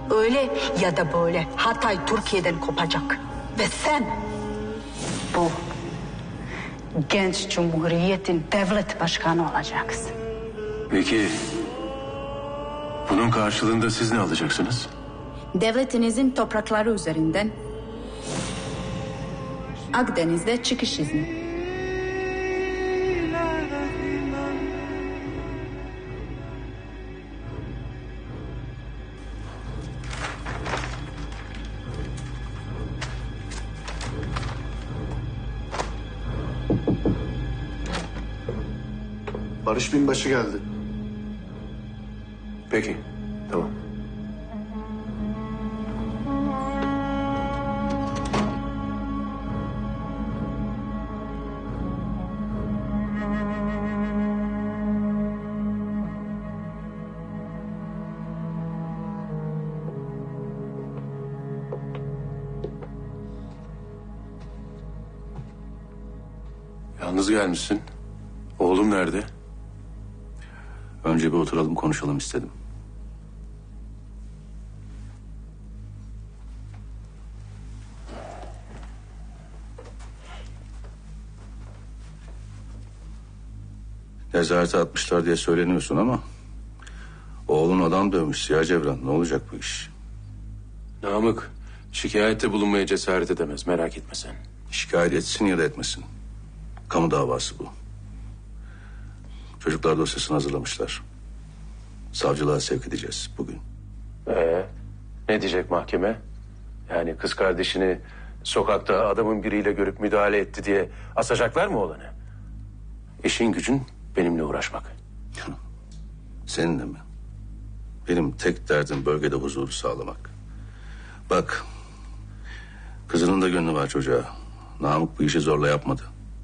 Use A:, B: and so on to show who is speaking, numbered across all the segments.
A: öyle ya da böyle Hatay Türkiye'den kopacak. Ve sen bu genç cumhuriyetin devlet başkanı olacaksın.
B: Peki bunun karşılığında siz ne alacaksınız?
A: Devletinizin toprakları üzerinden Akdeniz'de çıkış izni.
C: Barış Binbaşı geldi.
B: Peki, tamam. Yalnız gelmişsin. Oğlum nerede?
D: Önce bir oturalım konuşalım istedim. Nezarete atmışlar diye söyleniyorsun ama... ...oğlun adam dövmüş Ziya Cevran. Ne olacak bu iş?
B: Namık şikayette bulunmaya cesaret edemez, merak etme sen.
D: Şikayet etsin ya da etmesin. Kamu davası bu. Çocuklar dosyasını hazırlamışlar. Savcılığa sevk edeceğiz bugün.
B: Ne diyecek mahkeme? Yani kız kardeşini sokakta adamın biriyle görüp müdahale etti diye asacaklar mı oğlanı? İşin gücün benimle uğraşmak.
D: Seninle mi? Benim tek derdim bölgede huzuru sağlamak. Bak, kızının da gönlü var çocuğa. Namık bu işi zorla yapmadı.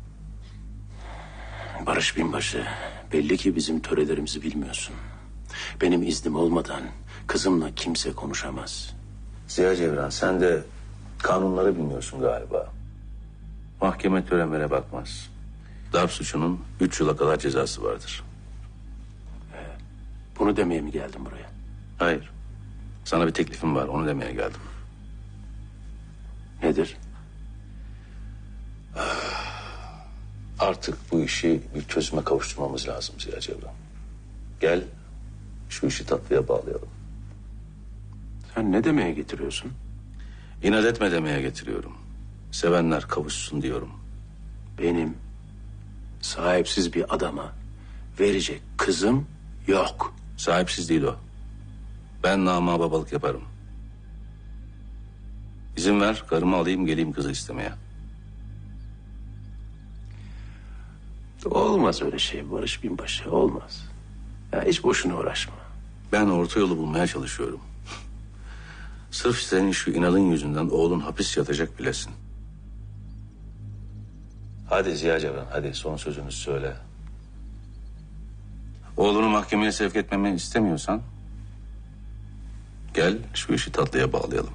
B: Barış Binbaşı, belli ki bizim törelerimizi bilmiyorsun. Benim iznim olmadan kızımla kimse konuşamaz.
D: Ziya Cevran, sen de kanunları bilmiyorsun galiba. Mahkeme törenlere bakmaz. Darp suçunun 3 yıla kadar cezası vardır.
B: Bunu demeye mi geldin buraya?
D: Hayır. Sana bir teklifim var, onu demeye geldim.
B: Nedir?
D: Artık bu işi bir çözüme kavuşturmamız lazım Ziya Cevran. Gel, şu işi tatlıya bağlayalım.
B: Sen ne demeye getiriyorsun?
D: İnat etme demeye getiriyorum. Sevenler kavuşsun diyorum.
B: Benim sahipsiz bir adama verecek kızım yok.
D: Sahipsiz değil o. Ben namıma babalık yaparım. İzin ver, karımı alayım geleyim kızı istemeye.
B: Olmaz öyle şey Barış Binbaşı, olmaz. Ya hiç boşuna uğraşma.
D: Ben orta yolu bulmaya çalışıyorum. Sırf senin şu inadın yüzünden oğlun hapis yatacak bilesin. Hadi Ziya Cevran, hadi son sözünü söyle. Oğlunu mahkemeye sevk etmemi istemiyorsan... ...gel şu işi tatlıya bağlayalım.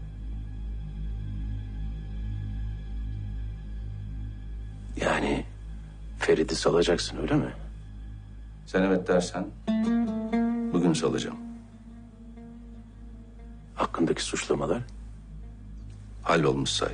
B: Yani Ferit'i salacaksın öyle mi?
D: Sen evet dersen... ...bugün salacağım.
B: Hakkındaki suçlamalar?
D: Hallolmuş say.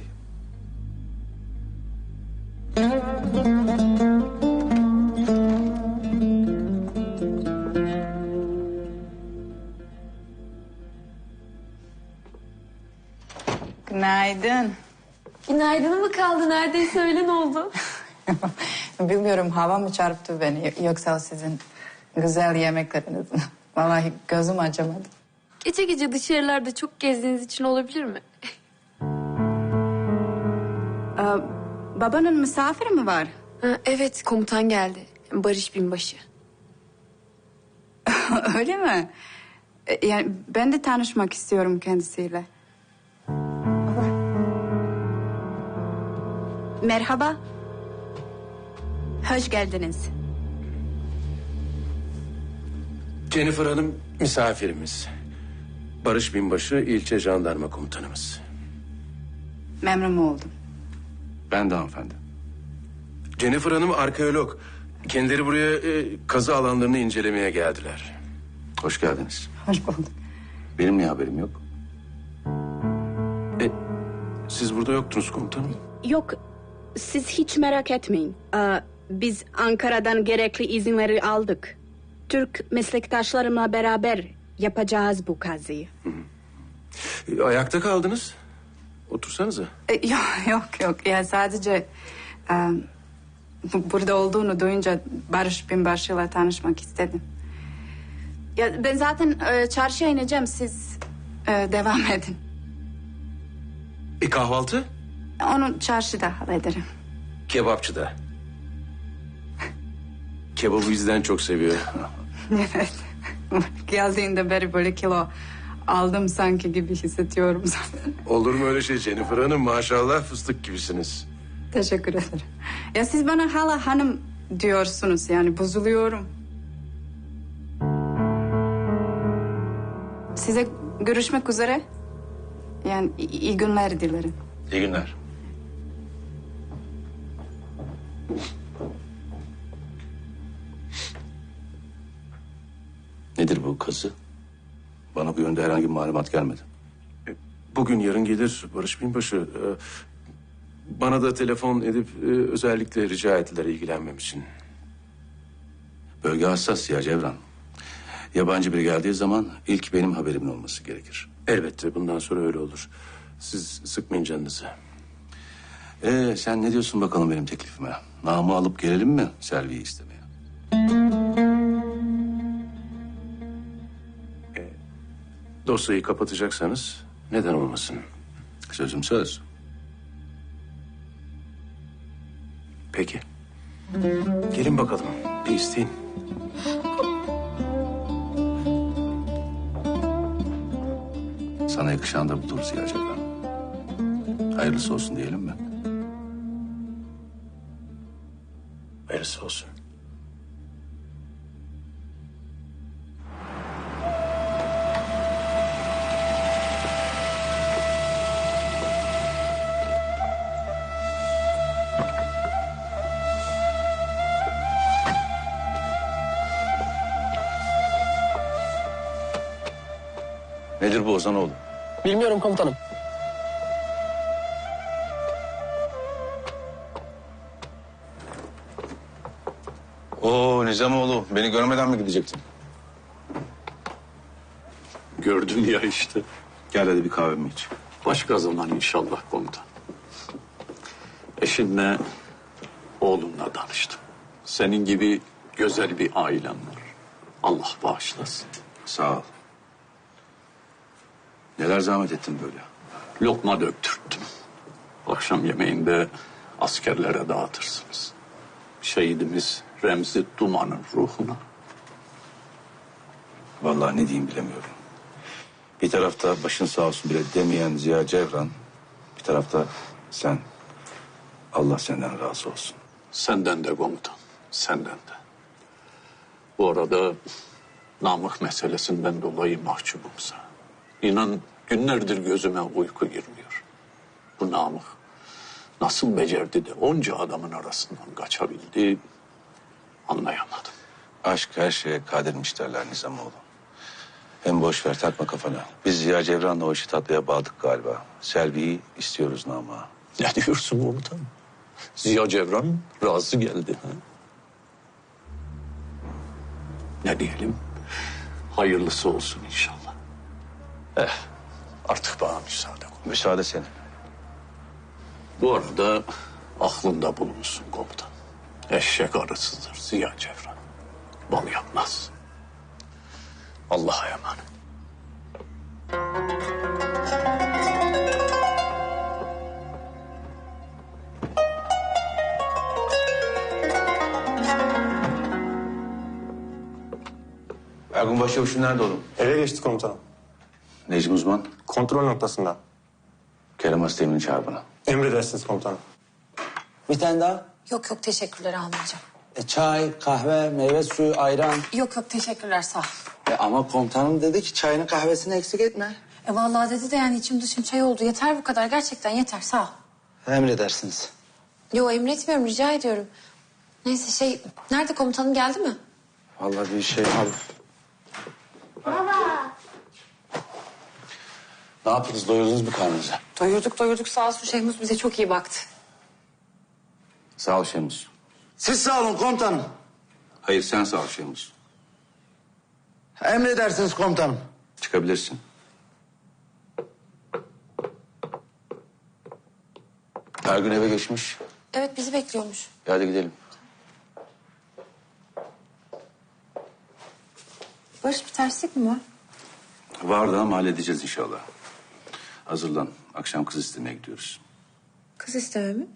E: Günaydın.
F: Günaydın mı kaldı? Neredeyse öğlen oldu.
E: Bilmiyorum hava mı çarptı beni yoksa sizin güzel yemekleriniz. Vallahi gözüm acımadı.
F: Gece gece dışarılarda çok gezdiğiniz için olabilir mi?
E: Babanın misafiri mi var?
F: Ha, evet, komutan geldi. Barış Binbaşı.
E: Öyle mi? Yani ben de tanışmak istiyorum kendisiyle.
A: Merhaba. Hoş geldiniz.
B: Jennifer Hanım misafirimiz. Barış Binbaşı ilçe jandarma komutanımız.
E: Memnun oldum.
D: Ben de hanımefendi.
B: Jennifer Hanım arkeolog. Kendileri buraya kazı alanlarını incelemeye geldiler.
D: Hoş geldiniz.
E: Hoş bulduk.
D: Benim niye haberim yok?
B: siz burada yoktunuz komutanım.
C: Yok, siz hiç merak etmeyin. Biz Ankara'dan gerekli izinleri aldık. Türk meslektaşlarımla beraber yapacağız bu kazıyı.
B: Ayakta kaldınız. Otursanıza.
E: Yok. Ya sadece burada olduğunu duyunca Barış Binbaşı'yla tanışmak istedim. Ya ben zaten çarşıya ineceğim. Siz devam edin.
B: Kahvaltı?
E: Onu çarşıda hallederim.
B: Kebapçıda. Kebabı bizden çok seviyor.
E: Evet. Geldiğinde beri böyle kilo aldım sanki gibi hissediyorum zaten.
B: Olur mu öyle şey Jennifer Hanım? Maşallah fıstık gibisiniz.
E: Teşekkür ederim. Ya siz bana hala hanım diyorsunuz yani bozuluyorum. Size görüşmek üzere. Yani iyi günler dilerim.
D: İyi günler. Nedir bu kazı? Bana bu yönde herhangi bir malumat gelmedi.
B: Bugün yarın gelir Barış Binbaşı. Bana da telefon edip özellikle rica ettiler ilgilenmem için.
D: Bölge hassas ya Cevran. Yabancı biri geldiği zaman ilk benim haberimin olması gerekir.
B: Elbette bundan sonra öyle olur. Siz sıkmayın canınızı.
D: Sen ne diyorsun bakalım benim teklifime? Namı alıp gelelim mi Selvi'yi istemeye?
B: Dosyayı kapatacaksanız neden olmasın?
D: Sözüm söz.
B: Peki. Gelin bakalım bir isteyin.
D: Sana yakışan da budur Ziya Cevran. Hayırlısı olsun diyelim mi?
B: Hayırlısı olsun.
D: Nedir bu Ozanoğlu?
G: Bilmiyorum komutanım.
D: Oo Nizamoğlu, beni görmeden mi gidecektin?
H: Gördün ya işte.
D: Gel hadi bir kahvemi iç.
H: Başka zaman inşallah komutan. Eşinle, oğlunla tanıştım. Senin gibi güzel bir ailen var. Allah bağışlasın.
D: Sağ ol. Neler zahmet ettin böyle?
H: Lokma döktürttüm. Akşam yemeğinde askerlere dağıtırsınız. Şehidimiz Remzi Duman'ın ruhuna.
D: Vallahi ne diyeyim bilemiyorum. Bir tarafta başın sağ olsun bile demeyen Ziya Cevran, bir tarafta sen. Allah senden razı olsun.
H: Senden de komutan, senden de. Bu arada Namık meselesinden dolayı mahcubumsa. İnan günlerdir gözüme uyku girmiyor. Bu Namık nasıl becerdi de onca adamın arasından kaçabildi anlayamadım.
D: Aşk her şeye kadirmiş derler Nizamoğlu. Hem boş ver takma kafana. Biz Ziya Cevran'la o işi tatlıya bağladık galiba. Selvi'yi istiyoruz Namık'a.
H: Ne diyorsun komutan? Ziya Cevran razı geldi. Ha? Ne diyelim? Hayırlısı olsun inşallah. Artık bana müsaade.
D: Müsaade senin.
H: Bu arada aklında bulunsun komutan. Eşek arısıdır Ziya Cevran. Bal yapmaz. Allah'a emanet.
D: Ergun Başçavuş'un nerede oğlum?
G: Eve geçti komutanım.
D: Necmi Uzman,
G: Kontrol noktasında.
D: Kerem Asteğmen'i çağır bana.
G: Emredersiniz komutanım.
I: Bir tane daha.
J: Yok teşekkürler almayacağım.
I: Çay, kahve, meyve suyu, ayran.
J: Yok teşekkürler sağ ol.
I: Ama komutanım dedi ki çayını kahvesini eksik etme.
J: Vallahi dedi de yani içim dışım çay oldu. Yeter bu kadar gerçekten yeter sağ ol.
I: Emredersiniz.
J: Yo emretmiyorum rica ediyorum. Neyse nerede komutanım geldi mi?
I: Vallahi bir şey al.
D: Ne yaptınız? Doyurdunuz mu karnınızı?
J: Doyurduk sağ olsun Şehmus bize çok iyi baktı.
D: Sağ ol Şemus.
I: Siz sağ olun komutanım.
D: Hayır sen sağ ol Şemus.
I: Emredersiniz komutanım.
D: Çıkabilirsin. Her gün eve geçmiş.
J: Evet bizi bekliyormuş.
D: Hadi gidelim.
J: Barış bir terslik mi var?
D: Vardı ama halledeceğiz inşallah. Hazırlan. Akşam kız istemeye gidiyoruz.
J: Kız isteme mi?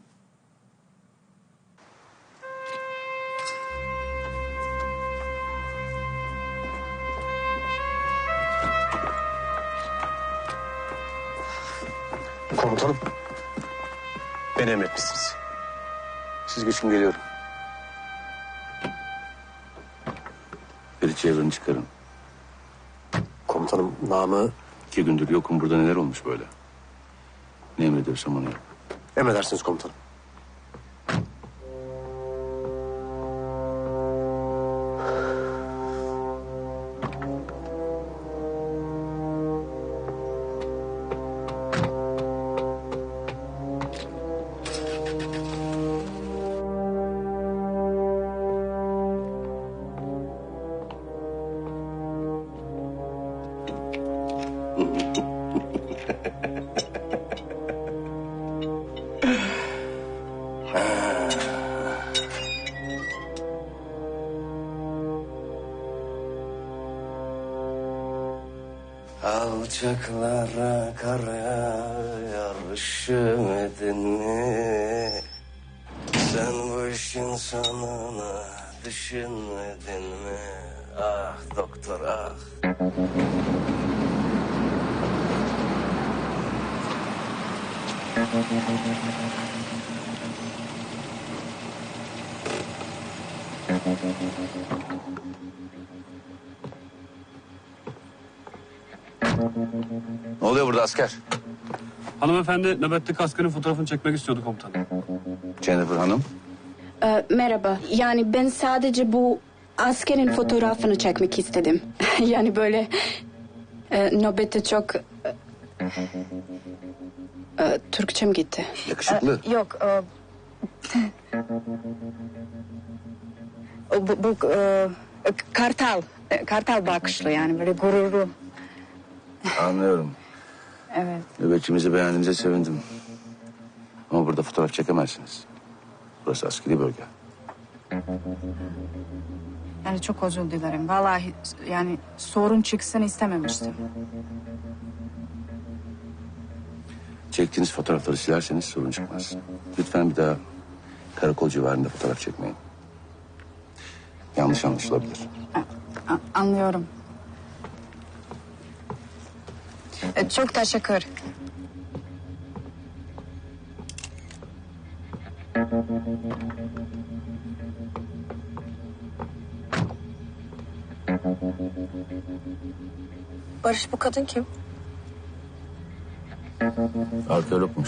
B: Komutanım. Beni emretmişsiniz. Siz geçin geliyorum.
D: Ferit çevreni çıkarın.
B: Komutanım namı
D: 2 gündür yokum, burada neler olmuş böyle? Ne emrediyorsam onu yap.
B: emredersiniz komutanım.
K: Alçaklara kar yağar üşümedin mi? Sen bu işin sonunu düşünmedin mi? Ah doktor ah.
D: Ne oluyor burada asker?
G: Hanımefendi nöbetli askerin fotoğrafını çekmek istiyordu komutanım.
D: Jennifer Hanım.
C: Merhaba. Yani ben sadece bu askerin fotoğrafını çekmek istedim. Yani böyle nöbette çok... Türkçem gitti.
D: Yakışıklı.
A: Yok. Bu kartal. Kartal bakışlı yani böyle gururlu.
D: Anlıyorum.
A: Evet.
D: Nöbetçimizi beğendiğinize sevindim. Ama burada fotoğraf çekemezsiniz. Burası askeri bölge.
E: Yani çok özür dilerim. Vallahi yani sorun çıksın istememiştim.
D: Çektiğiniz fotoğrafları silerseniz sorun çıkmaz. Lütfen bir daha karakol civarında fotoğraf çekmeyin. Yanlış anlaşılabilir.
E: Anlıyorum. Çok teşekkür.
J: Barış bu kadın kim?
D: Arkeologmuş.